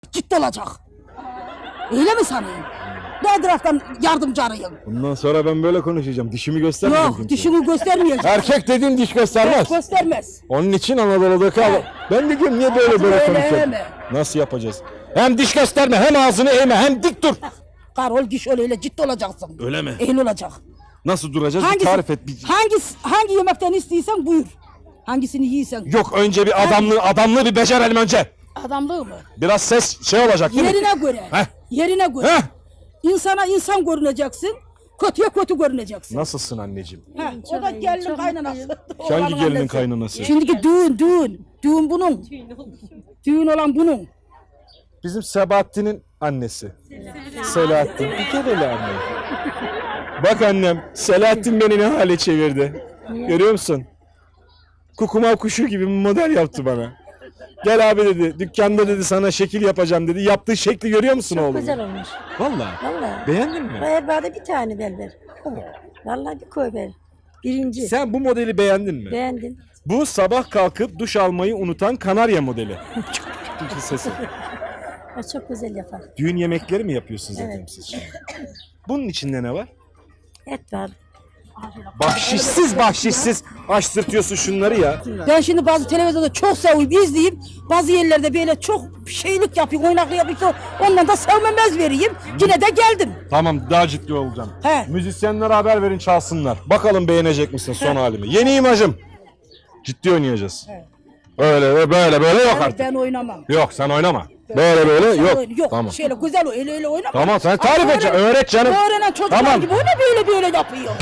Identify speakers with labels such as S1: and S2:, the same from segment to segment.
S1: ciddi olacak. Öyle mi sanıyorsun? Ne taraftan yardımcı arayın?
S2: Bundan sonra ben böyle konuşacağım. Dişimi göstermeyeceğim.
S1: Yok,
S2: kimseye.
S1: dişini göstermeyecek.
S2: Erkek dediğin diş göstermez.
S1: Göstermez.
S2: Onun için Anadolu'daki adam. Ben de diyorum niye böyle
S1: Öyle
S2: konuşuyorsun?
S1: mi?
S2: Nasıl yapacağız? Hem diş gösterme, hem ağzını eğme, hem dik dur.
S1: Karol diş öyle ciddi olacaksın.
S2: Öyle mi?
S1: Eğil olacak.
S2: Nasıl duracağız? Bir tarif et.
S1: Hangi yemekten istiyorsan buyur. Hangisini yiysen.
S2: Yok, önce bir adamlığı bir becerelim önce.
S1: Adamlığı mı?
S2: Biraz ses şey olacak değil mi?
S1: Yerine göre.
S2: Heh.
S1: Yerine göre.
S2: Heh.
S1: İnsana insan görüneceksin. Kötüye kötü görüneceksin.
S2: Nasılsın anneciğim?
S1: Ha, o da gelinin kaynanası.
S2: Hangi
S1: Oğlanın
S2: gelinin
S1: annesi.
S2: kaynanası?
S1: Şimdiki düğün. Düğün bunun. Düğün olan bunun.
S2: Bizim Sebahattin'in annesi. Selahattin. Bir kere hele anne. Bak annem, Selahattin beni ne hale çevirdi. Görüyor musun? Kukumav kuşu gibi bir model yaptı bana. Gel abi dedi, dükkanda dedi sana şekil yapacağım dedi. Yaptığı şekli görüyor musun
S3: Çok
S2: oğlum?
S3: güzel olmuş.
S2: Vallahi.
S3: Vallahi.
S2: Beğendin mi?
S3: Erbağda bir tane berber. Vallahi bir koy ver. Birinci.
S2: Sen bu modeli beğendin mi?
S3: Beğendim.
S2: Bu sabah kalkıp duş almayı unutan kanarya modeli. Sesi.
S3: O çok güzel yapar.
S2: Düğün yemekleri mi yapıyorsunuz efendim
S3: Evet.
S2: siz şimdi? Bunun içinde ne var?
S3: Et var.
S2: Bahşişsiz açtırtıyorsun şunları ya.
S1: Ben şimdi bazı televizyonda çok sevip izleyip bazı yerlerde böyle çok şeylik yapıyor, oynaklı yapıyor. Ondan da sevmemez vereyim. Yine de geldim.
S2: Tamam, daha ciddi olacağım.
S1: He.
S2: Müzisyenlere haber verin, çalsınlar. Bakalım beğenecek misin son halimi? Yeni imajım. Ciddi oynayacağız. Öyle ve böyle yok artık.
S1: Ben oynamam.
S2: Yok, sen oynama. Böyle
S1: Sen
S2: yok.
S1: Yok.
S2: Tamam.
S1: Şöyle güzel öyle oynama.
S2: Tamam, sen tarif
S1: Ama
S2: edeceksin. Öğret canım.
S1: Öğrenen çocuklar
S2: Tamam.
S1: gibi öyle böyle yapıyor.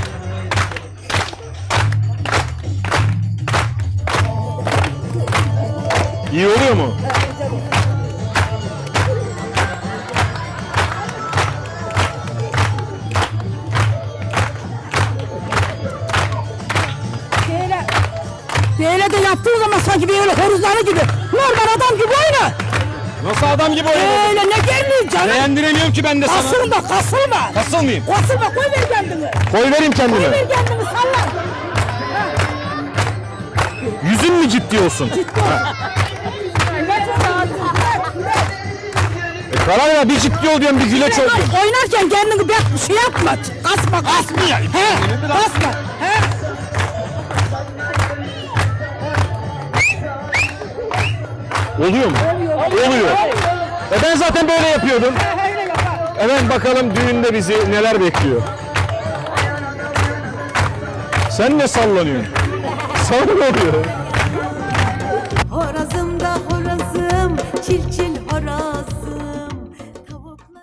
S2: İyi oluyor mu?
S1: Böyle de yaptığın zaman sanki böyle horuzları gibi. Normal adam gibi oyna.
S2: Nasıl adam gibi oynuyorsun?
S1: Öyle ne gelmiyor canım.
S2: Beğendiremiyorum ki ben de sana.
S1: Kasılma.
S2: Kasılmayayım.
S1: Kasılma, koy ver kendini.
S2: Koy vereyim
S1: Koy
S2: kendime.
S1: ver kendini, salla.
S2: Yüzün mü ciddi olsun? Karar ver, bir ciddi ol diyorum, bir güleç ol diyorum.
S1: Oynarken kendini bir şey yapma. Kasma.
S2: Kasmayayım.
S1: He, kasma. He.
S2: Oluyor mu? Oluyor. Ben zaten böyle yapıyordum.
S1: Öyle yapar.
S2: Evet, bakalım düğünde bizi neler bekliyor. Sen ne sallanıyorsun? Sana ne oluyor?
S4: Horazım da horazım, çil çil horazım. Tavuklar...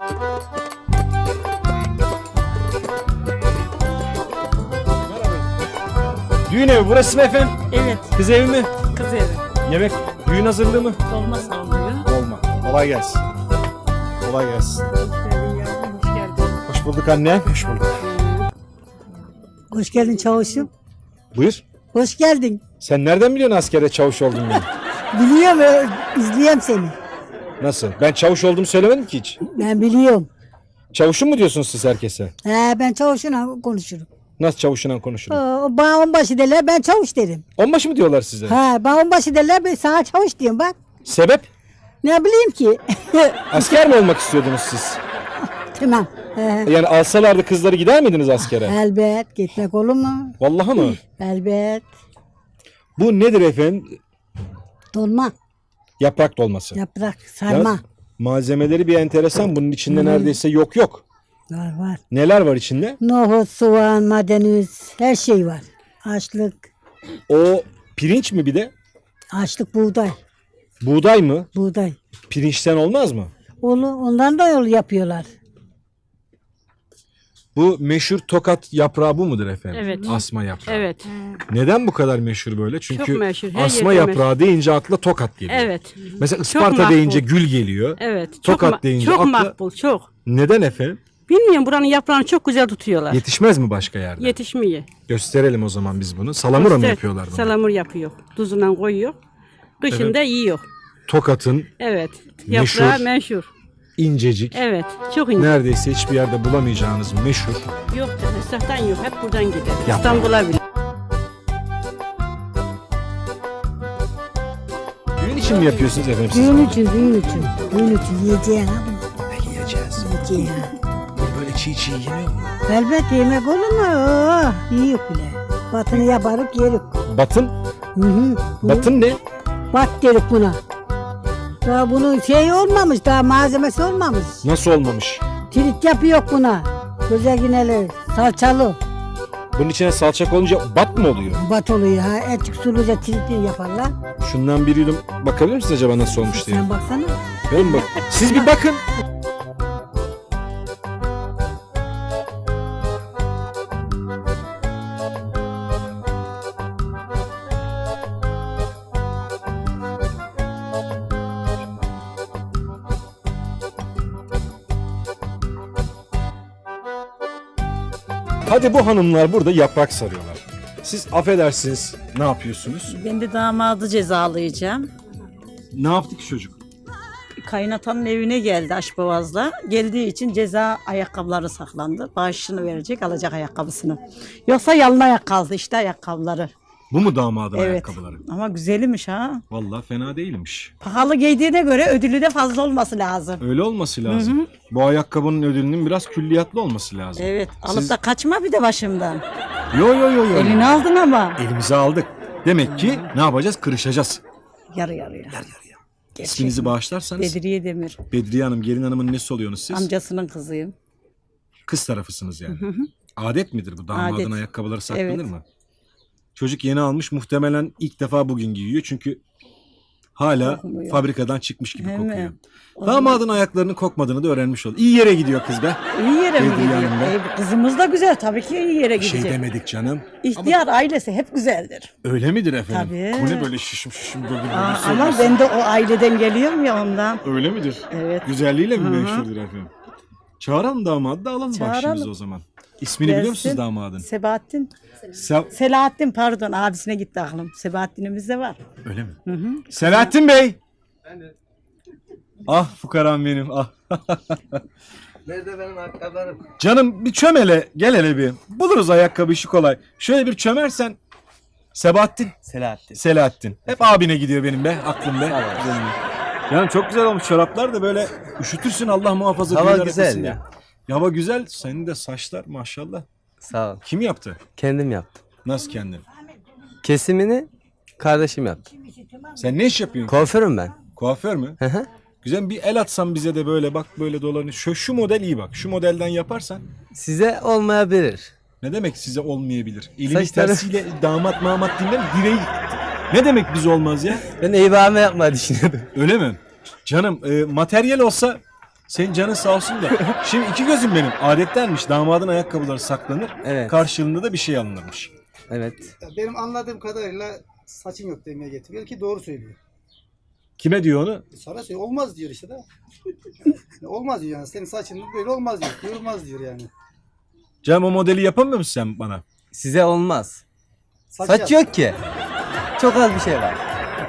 S2: Düğün evi burası mı efendim?
S5: Evet,
S2: Kız evi mi?
S5: kız evi.
S2: Yemek, düğün hazırlığı mı?
S5: Olmazsa olmuyor.
S2: Olma. Kolay gelsin. Kolay gelsin.
S5: Hoş geldin.
S2: Hoş bulduk anne. Hoş bulduk.
S6: Hoş geldin çavuşum.
S2: Buyur.
S6: Hoş geldin.
S2: Sen nereden biliyorsun askere çavuş olduğumu?
S6: Biliyorum, izleyeyim seni.
S2: Nasıl? Ben çavuş olduğumu söylemedim ki hiç.
S6: Ben biliyorum.
S2: Çavuşum mu diyorsunuz siz herkese?
S6: Ben çavuşuna konuşurum.
S2: Nasıl çavuşla konuşurum?
S6: Bana onbaşı derler, ben çavuş derim.
S2: Onbaşı mı diyorlar size?
S6: Bana onbaşı derler, ben sana çavuş diyorum bak.
S2: Sebep?
S6: Ne bileyim ki.
S2: Asker mi olmak istiyordunuz siz?
S6: Tamam.
S2: Yani alsalardı kızları gider miydiniz askere?
S6: Elbet, gitmek olur mu?
S2: Vallahi mı?
S6: Elbet.
S2: Bu nedir efendim?
S6: Dolma,
S2: Yaprak dolması.
S6: yaprak, sarma.
S2: Yalnız malzemeleri bir enteresan. Bunun içinde neredeyse yok.
S6: Var.
S2: Neler var içinde?
S6: Nohut, soğan, maydanoz, her şey var. Açlık,
S2: O pirinç mi bir de?
S6: açlık buğday,
S2: Buğday mı?
S6: buğday.
S2: Pirinçten olmaz mı?
S6: Ondan da yol yapıyorlar.
S2: Bu meşhur tokat yaprağı bu mudur efendim?
S5: Evet.
S2: Asma yaprağı.
S5: Evet,
S2: Neden bu kadar meşhur böyle? Çünkü
S5: Çok meşhur, her
S2: asma
S5: yerde
S2: yaprağı deyince akla tokat geliyor.
S5: evet,
S2: Mesela Isparta
S5: makbul.
S2: deyince gül geliyor.
S5: evet. Çok,
S2: Tokat deyince
S5: çok
S2: akla-
S5: makbul, çok.
S2: Neden efendim?
S5: Bilmiyorum, buranın yaprağını çok güzel tutuyorlar.
S2: Yetişmez mi başka yerde?
S5: Yetişmiyor.
S2: Gösterelim o zaman biz bunu. Salamura mı
S5: İşte
S2: yapıyorlar bunu?
S5: Salamur yapıyor. Tuzundan koyuyor. Kışında yiyor.
S2: Tokat'ın
S5: Evet.
S2: Meşhur.
S5: Yaprağı meşhur.
S2: incecik,
S5: Evet. Çok ince.
S2: neredeyse hiçbir yerde bulamayacağınız meşhur.
S5: Yok da esnaftan yok. Hep buradan gider.
S2: Yaprağı.
S5: İstanbul'a bile.
S2: Düğün için mi yapıyorsunuz efendim siz?
S6: Düğün için, düğün için. Düğün için yiyeceğin ha bunu.
S2: Peki yiyeceğiz.
S6: Yiyeceğin ha.
S2: Böyle çiğ çiğ yeniyor mu?
S6: Elbet yemek olur mu? Oh, yiyor bile. Batını yaparık yerik.
S2: Batın?
S6: Hı hı.
S2: Batın ne?
S6: Bat derik buna. Daha bunun şey olmamış, daha malzemesi olmamış.
S2: Nasıl olmamış?
S6: Tirit yapıyor buna. Güzel yineli, salçalı.
S2: Bunun içine salça konunca bat mı oluyor?
S6: Bat oluyor ha. Etik suluca tiritli yaparlar.
S2: Şundan bir yudum bakabilir misiniz acaba nasıl olmuş diye?
S6: Sen baksana.
S2: Ben bak. Siz bir bakın. Hadi bu hanımlar burada yaprak sarıyorlar. Siz affedersiniz ne yapıyorsunuz?
S7: Ben de damadı cezalayacağım.
S2: Ne yaptık çocuk?
S7: Kaynatanın evine geldi Aşboğaz'la. Geldiği için ceza ayakkabıları saklandı. Bağışını verecek, alacak ayakkabısını. Yoksa yalın ayak kaldı işte ayakkabıları.
S2: Bu mu damadın
S7: Evet.
S2: ayakkabıları?
S7: Ama güzelmiş ha.
S2: Vallahi fena değilmiş.
S7: Pahalı giydiğine göre ödülü de fazla olması lazım.
S2: Öyle olması lazım. Bu ayakkabının ödülünün biraz külliyatlı olması lazım.
S7: Evet. Alıp
S2: Siz-
S7: da kaçma bir de başımdan.
S2: Yo yo yo yo.
S7: Elini aldın ama.
S2: Elimize aldık. Demek ki ne yapacağız? Kırışacağız.
S7: Yarı yarıya.
S2: İsminizi bağışlarsanız.
S7: Bedriye Demir.
S2: Bedriye Hanım, gelin hanımın nesi oluyorsunuz siz?
S7: Amcasının kızıyım.
S2: Kız tarafısınız yani. Adet midir bu? Damadın
S7: Adet.
S2: ayakkabıları saklanır
S7: Evet.
S2: mı? Çocuk yeni almış, muhtemelen ilk defa bugün giyiyor çünkü hala
S7: Kokmuyor.
S2: fabrikadan çıkmış gibi
S7: Değil mi?
S2: kokuyor. Damadın ayaklarının kokmadığını da öğrenmiş oldu. İyi yere gidiyor kız be.
S7: İyi yere mi
S2: Bedriye
S7: gidiyor?
S2: Hanım be.
S7: Kızımız da güzel. Tabii ki iyi yere
S2: Bir şey
S7: gidecek.
S2: demedik canım.
S7: İhtiyar ailesi hep güzeldir.
S2: Öyle midir efendim?
S7: Tabii.
S2: Bu ne böyle şişim şişim böyle
S7: Ama ben de o aileden geliyorum ya ondan.
S2: Öyle midir?
S7: Evet.
S2: Güzelliğiyle mi
S7: Hı hı.
S2: meşhurdur efendim? Çağıralım damadı da alalım
S7: Çağıralım.
S2: başımıza o zaman. İsmini biliyor musunuz
S7: Gelsin.
S2: damadın?
S7: Sebahattin.
S2: Se-
S7: Selahattin pardon abisine gitti aklım. Sebahattin'imiz de var.
S2: Öyle mi? Selahattin Bey. Ah fukaram benim ah.
S8: Nerede benim ayakkabılarım?
S2: Canım bir çömele gel hele bir. Buluruz ayakkabı işi kolay. Şöyle bir çömersen. Sebahattin.
S8: Selahattin.
S2: Selahattin. Hep abine gidiyor benim be aklım be. Güzelim. Canım çok güzel olmuş çoraplar da böyle üşütürsün Allah muhafaza.
S8: Hava
S2: düğünler
S8: güzel
S2: yapasın
S8: ya.
S2: diye. Hava güzel. Senin de saçlar maşallah.
S8: Sağ ol.
S2: Kim yaptı?
S8: Kendim yaptım.
S2: Nasıl kendin?
S8: Kesimini kardeşim yaptı.
S2: Sen ne iş yapıyorsun?
S8: Kuaförüm ben.
S2: Kuaför mü?
S8: Hı hı.
S2: Güzel bir el atsan bize de böyle bak böyle dolanıyor. Şu model iyi bak. Şu modelden yaparsan
S8: Size olmayabilir.
S2: ne demek size olmayabilir? Elini
S8: Saçları-
S2: tersiyle damat mamat dinler direği. Ne demek biz olmaz ya?
S8: Ben eyvahımı yapmayı düşünüyordum.
S2: Öyle mi? Canım materyal olsa senin canın sağ olsun da. Şimdi iki gözüm benim. Adettenmiş damadın ayakkabıları saklanır.
S8: Evet.
S2: Karşılığında da bir şey alınırmış.
S8: Evet.
S9: Benim anladığım kadarıyla saçım yok demeye getiriyor ki doğru söylüyor.
S2: Kime diyor onu?
S9: Sonra söylüyor olmaz diyor işte de. Olmaz diyor yani senin saçın böyle olmaz diyor. Kıvırmaz diyor yani.
S2: Canım o modeli yapamıyor musun sen bana?
S8: Size olmaz.
S9: Saç
S8: Saç
S9: yap.
S8: yok ki. Çok az bir şey var.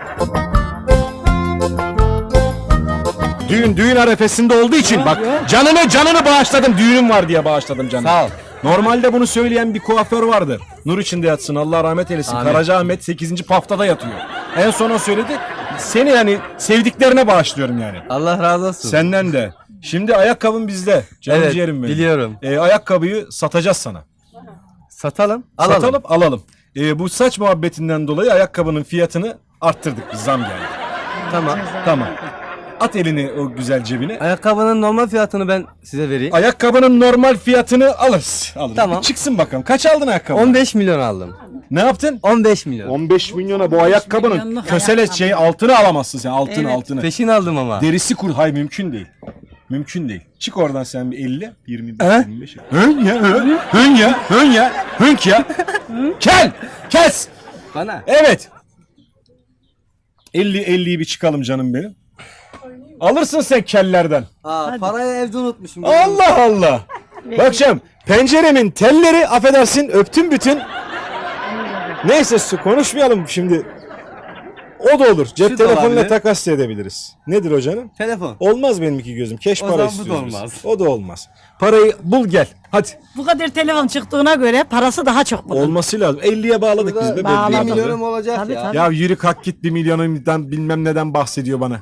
S2: Düğün arefesinde olduğu için bak canını bağışladım. Düğünüm var diye bağışladım canım.
S8: Sağ ol.
S2: Normalde bunu söyleyen bir kuaför vardı. Nur içinde yatsın Allah rahmet eylesin.
S8: Amin.
S2: Karacaahmet 8. paftada yatıyor. En son o söyledi. Seni yani sevdiklerine bağışlıyorum yani.
S8: Allah razı olsun.
S2: Senden de. Şimdi ayakkabın bizde. Canım
S8: Evet,
S2: ciğerim benim.
S8: biliyorum.
S2: Ayakkabıyı satacağız sana.
S8: Satalım. Alalım.
S2: Satalım alalım. Bu saç muhabbetinden dolayı ayakkabının fiyatını arttırdık. Biz zam geldi.
S8: Tamam.
S2: Tamam. At elini o güzel cebine.
S8: Ayakkabının normal fiyatını ben size vereyim.
S2: Ayakkabının normal fiyatını alırız.
S8: Tamam.
S2: Bir çıksın bakalım. Kaç aldın ayakkabı?
S8: 15 milyon aldım.
S2: Ne yaptın?
S8: 15 milyon.
S2: 15 milyona bu ayakkabının
S7: milyonluk
S2: kösele
S7: ayakkabı.
S2: şey altını alamazsın sen.
S7: Evet.
S2: Altını.
S8: Peşin aldım ama.
S2: Derisi kur. Hayır mümkün değil. Mümkün değil. Çık oradan sen bir 50, 20,
S8: He?
S2: 25. Hın ya, hın ya, hın ya, hınk ya. Kel, kes.
S8: Bana.
S2: Evet. 50'yi bir çıkalım canım benim. Alırsın sen kellerden.
S8: Parayı evde unutmuşum.
S2: Allah Allah. Bakacağım penceremin telleri affedersin öptüm bütün. Neyse konuşmayalım şimdi. O da olur. Cep
S8: Şu da
S2: telefonuyla
S8: olabilir.
S2: takas edebiliriz. Nedir o canım?
S8: Telefon.
S2: Olmaz benim iki gözüm. Keş
S8: O
S2: para
S8: zaman bu da
S2: istiyoruz biz.
S8: olmaz.
S2: O da olmaz. Parayı bul gel. Hadi.
S7: Bu kadar telefon çıktığına göre parası daha çok bunun.
S2: Olması lazım. 50'ye bağladık
S8: Burada
S2: biz be.
S7: bağladık.
S8: 1
S2: belli
S8: milyonum olacak
S7: Tabii,
S8: ya.
S7: tabii.
S2: Ya yürü kalk git 1 milyonundan bilmem neden bahsediyor bana.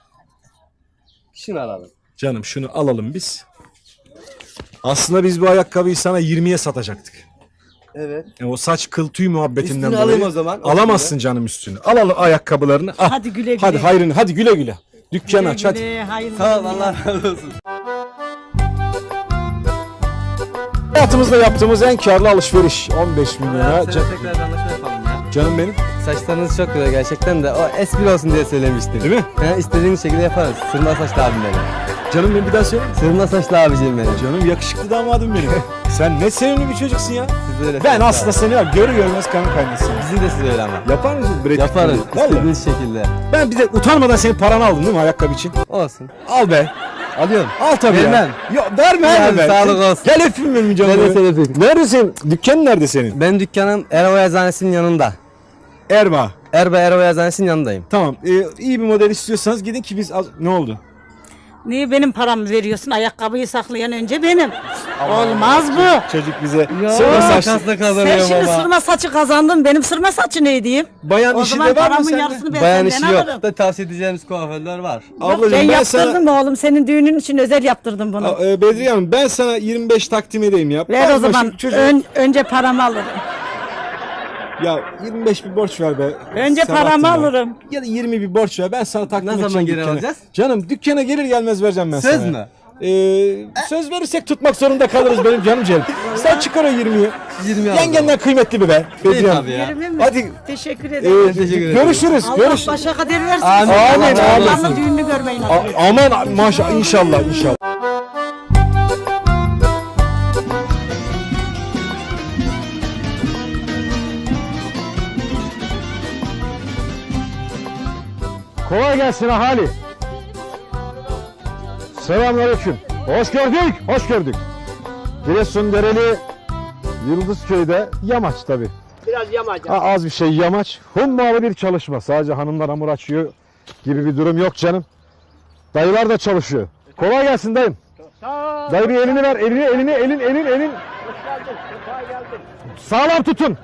S8: Şunu alalım.
S2: Canım şunu alalım biz. Aslında biz bu ayakkabıyı sana 20'ye satacaktık.
S8: Evet.
S2: O saç kıl tüy muhabbetinden
S8: Üstünü
S2: dolayı.
S8: alayım o zaman.
S2: Alamazsın canım üstünü. Alalım ayakkabılarını. Al.
S7: Hadi güle güle.
S2: Hadi hayrını. Hadi güle güle. Dükkan
S7: Güle
S2: aç hadi.
S7: güle, hayırlı
S8: Sağ ol,
S7: günler.
S8: Allah razı olsun.
S2: Hayatımızda yaptığımız en karlı alışveriş. 15 milyona.
S8: Ya, tekrar bir anlaşma yapalım ya.
S2: Canım benim.
S8: Saçlarınız çok güzel gerçekten de o espri olsun diye söylemiştim.
S2: Değil mi?
S8: He, istediğiniz şekilde yaparız. Sırma saçlı abim benim.
S2: Canım benim bir daha söyle.
S8: Sırma saçlı abicim benim.
S2: Canım yakışıklı damadım benim. Sen ne sevimli bir çocuksun ya.
S8: Siz öyle
S2: Ben
S8: söyle
S2: aslında
S8: abi.
S2: seni var görür görmez kan kaynasın.
S8: Bizim de siz öyle ama.
S2: Yapar mısın? Brad Pitt
S8: Yaparız.
S2: gibi? Vallahi.
S8: İstediğiniz şekilde.
S2: Ben bir de utanmadan senin paranı aldım değil mi ayakkabı için?
S8: Olsun.
S2: Al be.
S8: Alıyorum.
S2: Al tabii
S8: Vermem.
S2: ya. Yok verme
S8: Yani
S2: verme.
S8: sağlık olsun.
S2: Gel öpeyim benim canım.
S8: Ben de seni öpeyim.
S2: Neredesin? Dükkanın nerede senin?
S8: Benim dükkanım Erova Eczanesi'nin yanında.
S2: Erba.
S8: Erova Eczanesi'nin yanındayım.
S2: Tamam. İyi bir model istiyorsanız gidin ki biz ne oldu?
S7: Niye benim paramı veriyorsun? Ayakkabıyı saklayan önce benim. Olmaz bu.
S2: Çocuk bize
S7: Yok.
S2: sırma saçlı.
S8: Makasla
S7: Sen
S8: kazanıyorum
S7: şimdi
S8: ama.
S7: sırma saçı kazandın. Benim sırma saçı ne diyeyim?
S2: Bayan
S7: O
S2: işi
S7: zaman
S2: de var mı
S7: paramın
S2: sende?
S7: yarısını ben
S8: Bayan
S7: senden
S8: işi yok.
S7: alırım.
S8: Da tavsiye edeceğimiz kuaförler var.
S2: Ablacığım
S7: ben
S2: ben
S7: yaptırdım
S2: sana...
S7: oğlum. Senin düğünün için özel yaptırdım bunu.
S2: Bedriye Hanım ben sana 25 takdim edeyim ya.
S7: Ver o
S2: Bakma
S7: zaman.
S2: şu çocuğu-
S7: Önce paramı alırım.
S2: Ya 25 bir borç ver be.
S7: Önce
S2: Sabahattin
S7: paramı
S2: be.
S7: alırım.
S2: Ya da 20 bir borç ver. Ben sana takdim
S8: Ne
S2: edeceğim
S8: zaman geri
S2: dükkana.
S8: alacağız?
S2: Canım dükkana gelir gelmez vereceğim ben sana.
S8: Söz mü?
S2: Söz verirsek tutmak zorunda kalırız benim canım ciğerim. Sen çıkar o 20'yi.
S8: 20 aldım.
S2: Yengenden kıymetli bir be. Bedriye Hanım.
S8: tabii ya.
S7: Yerimi mi?
S2: Hadi
S7: Teşekkür ederim.
S8: Teşekkür ederim.
S2: görüşürüz.
S7: Allah başa kader versin.
S8: Amin.
S2: Amin, amin.
S7: Allah'ın düğününü görmeyin.
S2: Aman maşallah inşallah inşallah. Kolay gelsin ahali. Selamünaleyküm. Hoş gördük, hoş gördük. Giresun Dereli Yıldızköy'de yamaç tabii.
S10: Biraz yamaç.
S2: Az bir şey yamaç. Hummalı bir çalışma. Sadece hanımlar hamur açıyor gibi bir durum yok canım. Dayılar da çalışıyor. Kolay gelsin dayım. Dayı bir elini ver. Elin. Sağlam tutun.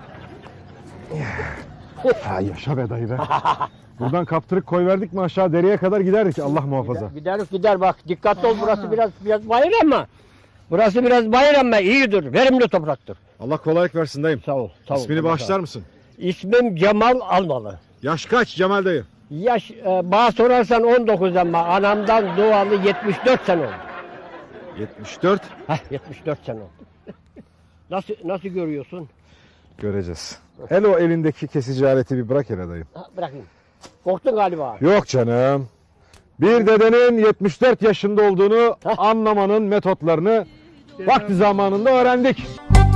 S2: Ha, yaşa be dayı be. Buradan kaptırıp koy verdik mi aşağı dereye kadar giderdik Allah muhafaza.
S10: Gider bak. Dikkatli ol, burası biraz bayır ama. Burası biraz bayır ama iyidir. Verimli topraktır.
S2: Allah kolaylık versin dayım.
S10: Sağ ol.
S2: İsmini bağışlar mısın?
S10: İsmim Cemal Almalı.
S2: Yaş kaç Cemal dayı?
S10: Yaş bana sorarsan 19 ama anamdan doğalı 74 sene oldu.
S2: 74.
S10: 74 sene oldu. Nasıl görüyorsun?
S2: Göreceğiz. Hele o elindeki kesici aleti bir bırak hele dayım.
S10: Bırakayım. Korktun galiba.
S2: Yok canım. Bir dedenin 74 yaşında olduğunu anlamanın metotlarını vakti zamanında öğrendik.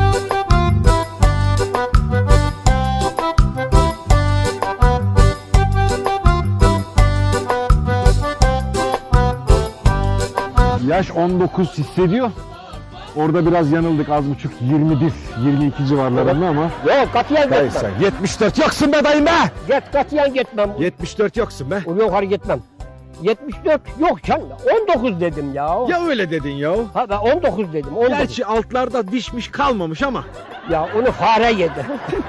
S2: Yaş 19 hissediyor. Orada biraz yanıldık az buçuk 21, 22 civarlarında ama.
S10: Yok katiyen
S2: Dayı
S10: gitmem.
S2: sen 74 yoksun be dayım be!
S10: Katiyen gitmem.
S2: 74 yoksun be.
S10: Yukarı gitmem. 74 yok canım. 19 dedim ya.
S2: Ya öyle dedin ya.
S10: Ha ben 19 dedim. 19.
S2: Gerçi altlarda dişmiş kalmamış ama.
S10: Ya onu fare yedi.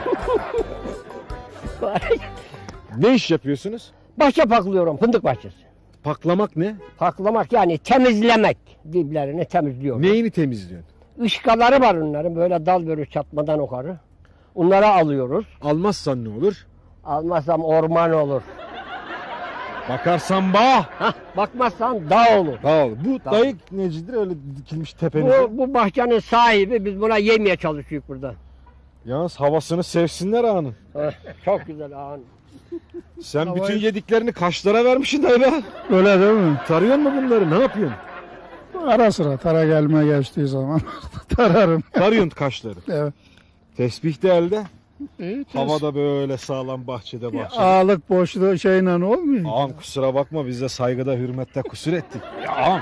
S10: Fare yedi.
S2: Ne iş yapıyorsunuz?
S10: Bahçe paklıyorum, fındık bahçesi.
S2: Paklamak ne?
S10: Paklamak yani temizlemek. Diplerini temizliyorum.
S2: Neyini temizliyorsun?
S10: Işkaları var onların böyle dal börü çatmadan yukarı. Onları alıyoruz.
S2: Almazsan ne olur?
S10: Almazsam orman olur.
S2: Bakarsan bağ.
S10: Hah, bakmazsan dağ olur.
S2: Dağ. Bu
S10: Dağ.
S2: dayı necidir öyle dikilmiş tepenize?
S10: Bu bahçenin sahibi, biz buna yemeye çalışıyoruz burada.
S2: Yalnız havasını sevsinler ağanın.
S10: Heh, çok güzel ağın.
S2: Sen bütün yediklerini kaşlara vermişsin dayı be.
S11: Öyle değil mi?
S2: Tarıyor mu bunları? Ne yapıyorsun?
S11: Ara sıra tara gelme geçtiği zaman tararım.
S2: Tarıyorsun kaşları.
S11: Evet.
S2: Tesbih de elde.
S11: İyi,
S2: Havada böyle sağlam bahçede.
S11: Ağalık boşluğu şeyle olmuyor.
S2: Ağam kusura bakma biz de saygıda hürmette kusur ettik. Ya ağam.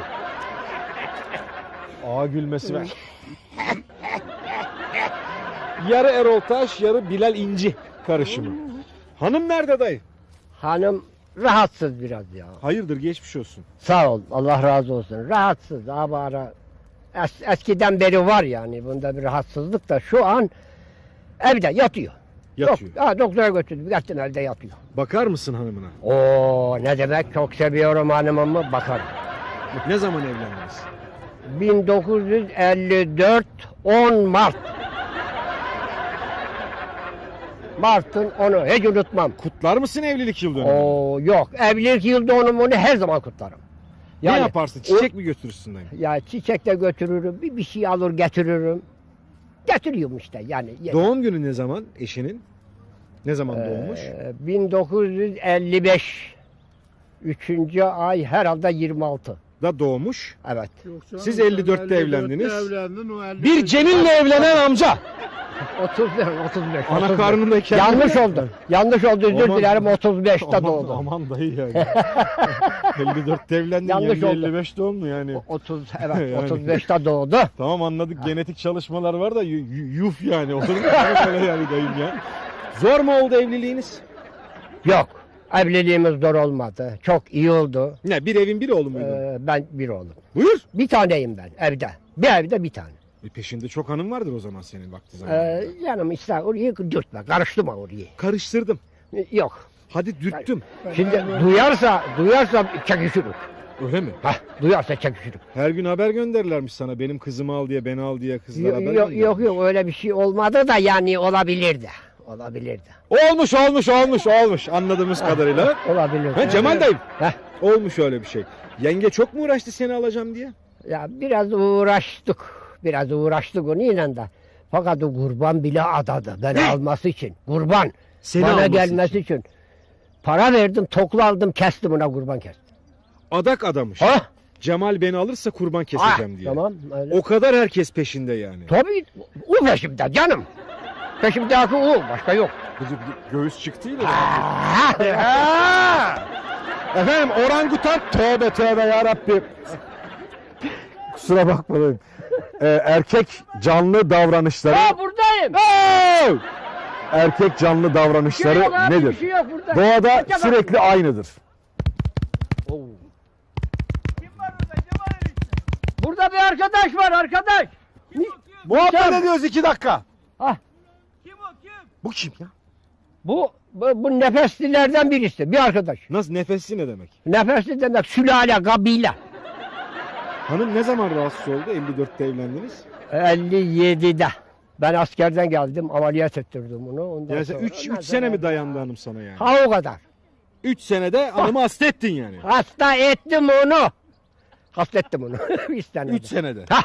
S2: Ağa gülmesi ver. Yarı Erol Taş, yarı Bilal İnci karışımı. Hanım nerede dayı?
S10: Hanım rahatsız biraz ya.
S2: Hayırdır, geçmiş olsun.
S10: Sağ ol. Allah razı olsun. Rahatsız. Abara. Eskiden beri var yani. Bunda bir rahatsızlık da şu an evde yatıyor.
S2: Yatıyor.
S10: Doktora götürdüm. Yattım evde yatıyor.
S2: Bakar mısın hanımına?
S10: Oo ne demek, çok seviyorum hanımımı, bakarım.
S2: Ne zaman evlendiniz?
S10: 1954 10 Mart. Mart'ın 10'u hiç unutmam.
S2: Kutlar mısın evlilik yıl dönümünü?
S10: Oo yok, evlilik yıl dönümünü her zaman kutlarım.
S2: Ne yaparsın? Çiçek mi götürürsün dayım?
S10: Ya çiçek de götürürüm, bir şey alır getiririm. Getiriyorum işte yani.
S2: Doğum günü ne zaman eşinin? Ne zaman doğmuş?
S10: 1955 3. ay herhalde 26.
S2: Da doğmuş.
S10: Evet.
S2: Siz 54'te evlendiniz. Bir Cemil'le evlenen amca.
S10: 35.
S2: Ana karnındayken.
S10: Yanlış oldu. Yanlış oldu. Özür
S2: Aman.
S10: dilerim. 35'te doğdu.
S2: Aman dayı yani. 54'te evlendin.
S10: Yanlış oldu.
S2: 55 doğumlu yani.
S10: 30 evet
S2: Yani.
S10: 35'te doğdu.
S2: Tamam anladık. Genetik çalışmalar var da yuf yani. Olur mu? Öyle yani dayım ya. Zor mu oldu evliliğiniz?
S10: Yok. Evliliğimiz zor olmadı. Çok iyi oldu.
S2: Ne, bir evin bir oğlu muydun?
S10: Ben bir oğlum.
S2: Buyur.
S10: Bir taneyim ben evde. Bir evde bir tane.
S2: Peşinde çok hanım vardır o zaman senin vakti zamanında.
S10: Yanım işte orayı dürtme. Karıştırma orayı.
S2: Karıştırdım.
S10: Yok.
S2: Hadi dürttüm.
S10: Şimdi duyarsa çekişiriz.
S2: Öyle mi?
S10: Duyarsa çekişiriz.
S2: Her gün haber gönderirlermiş sana. Benim kızımı al diye, beni al diye kızlar haber
S10: Yok
S2: gönderirmiş.
S10: yok öyle bir şey olmadı da yani olabilirdi. Olabilirdi.
S2: Olmuş anladığımız kadarıyla.
S10: Olabilirdi.
S2: Ha, Cemal dayım.
S10: Heh.
S2: Olmuş öyle bir şey. Yenge çok mu uğraştı seni alacağım diye?
S10: Ya biraz uğraştık. Biraz uğraştık onunla da. Fakat o kurban bile adadı beni alması için. Kurban.
S2: Seni
S10: bana
S2: alması
S10: gelmesi için. Para verdim, toklu aldım, kestim ona, kurban kestim.
S2: Adak adamış.
S10: Ha?
S2: Cemal beni alırsa kurban keseceğim diye.
S10: Tamam öyle.
S2: O kadar herkes peşinde yani.
S10: Tabii o peşimde canım. Peşimdeki o, başka yok.
S2: Göğüs çıktıydı. Efendim orangutan tövbe ya Rabbi. Kusura bakmayın. Erkek canlı davranışları.
S10: Buradayım.
S2: Erkek canlı davranışları
S10: Yok abi,
S2: nedir?
S10: bir şey yok burada.
S2: Doğada
S10: Kaça
S2: sürekli aynıdır.
S10: Burada bir arkadaş var, arkadaş.
S2: Muhabbet ediyoruz 2 dakika.
S10: Ah.
S2: Bu kim ya?
S10: Bu nefeslilerden birisi, bir arkadaş.
S2: Nasıl, nefesli ne demek?
S10: Nefesli demek sülale, kabile.
S2: Hanım ne zaman rahatsız oldu? 54'te evlendiniz.
S10: 57'de. Ben askerden geldim, ameliyat ettirdim onu. Ondan
S2: Yani
S10: sonra
S2: 3 sene mi dayandı hanım sana yani?
S10: Ha o kadar.
S2: 3 senede hanımı hasta ettin yani.
S10: Hasta ettim onu. Hasta ettim onu. 3 senede.
S2: 3 senede.
S10: Ha.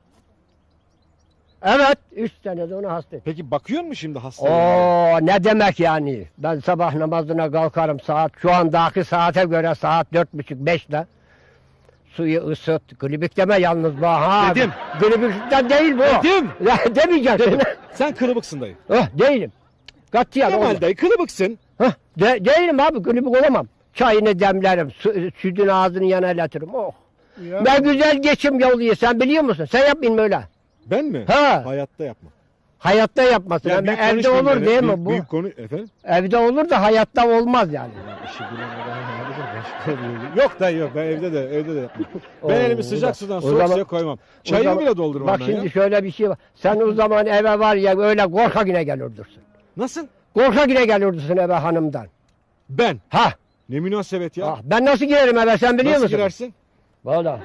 S10: Evet, 3 senede onu hasta ettim.
S2: Peki bakıyor musun şimdi hastaya?
S10: Oo ne demek yani? Ben sabah namazına kalkarım şu andaki saate göre saat 4.30-5'te. Suyu ısıt. Glibik deme yalnız bu. Ha.
S2: Dedim.
S10: Glibikten değil bu.
S2: Dedim.
S10: Ya demeyeceksin.
S2: Sen kılıbıksın dayı.
S10: Değilim. Katiyen olmam.
S2: Kemal dayı kılıbıksın.
S10: Değilim abi, glibik olamam. Çayını demlerim. Sütün ağzını yana iletirim. Oh.
S11: Ya.
S10: Ne güzel geçim yolu sen biliyor musun? Sen yapmayın böyle.
S2: Ben mi?
S10: Ha.
S2: Hayatta yapma.
S10: Hayatta yapmasın.
S2: Ya
S10: Ben
S2: büyük
S10: evde
S2: konuşmayın
S10: olur
S2: yani.
S10: değil mi
S2: Büyük-
S10: bu?
S2: Büyük konu efendim.
S10: Evde olur da hayatta olmaz yani.
S2: İşi bilen adam vardır, başka oluyor. Yok dayı yok, ben evde de yapmam. Ben elimi sıcak sudan soğuk suya koymam. Çayını bile doldurmam
S10: Bak
S2: ben
S10: şimdi
S2: ya.
S10: şöyle bir şey var. Sen o zaman eve var ya öyle korkak yine gelirdirsin.
S2: Nasıl?
S10: Korkak yine gelirdirsin eve hanımdan.
S2: Ben.
S10: Ha.
S2: Ne münasebet ya.
S10: Ben nasıl girerim eve sen biliyor
S2: Nasıl
S10: musun?
S2: girersin?
S10: Valla.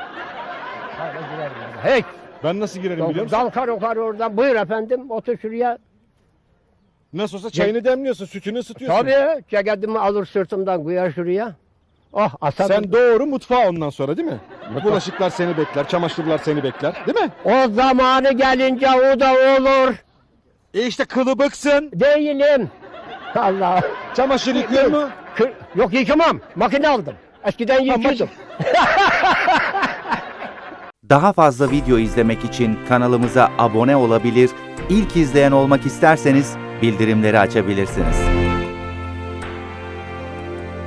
S10: Hiç.
S2: Ben nasıl girerim biliyor musun?
S10: Kalkar okar oradan. Buyur efendim otur şuraya.
S2: Nasıl olsa çayını demliyorsun, sütünü ısıtıyorsun.
S10: Tabii ceketimi alır sırtımdan koyar şuraya. Oh asarım.
S2: Sen doğru mutfağa ondan sonra değil mi? Bulaşıklar seni bekler, çamaşırlar seni bekler değil mi?
S10: O zamanı gelince o da olur.
S2: İşte kılıbıksın.
S10: Değilim. Allah.
S2: Çamaşır yıkıyor mu?
S10: Yok yıkamam. Makine aldım. Eskiden yıkıyordum.
S12: Daha fazla video izlemek için kanalımıza abone olabilir, ilk izleyen olmak isterseniz bildirimleri açabilirsiniz.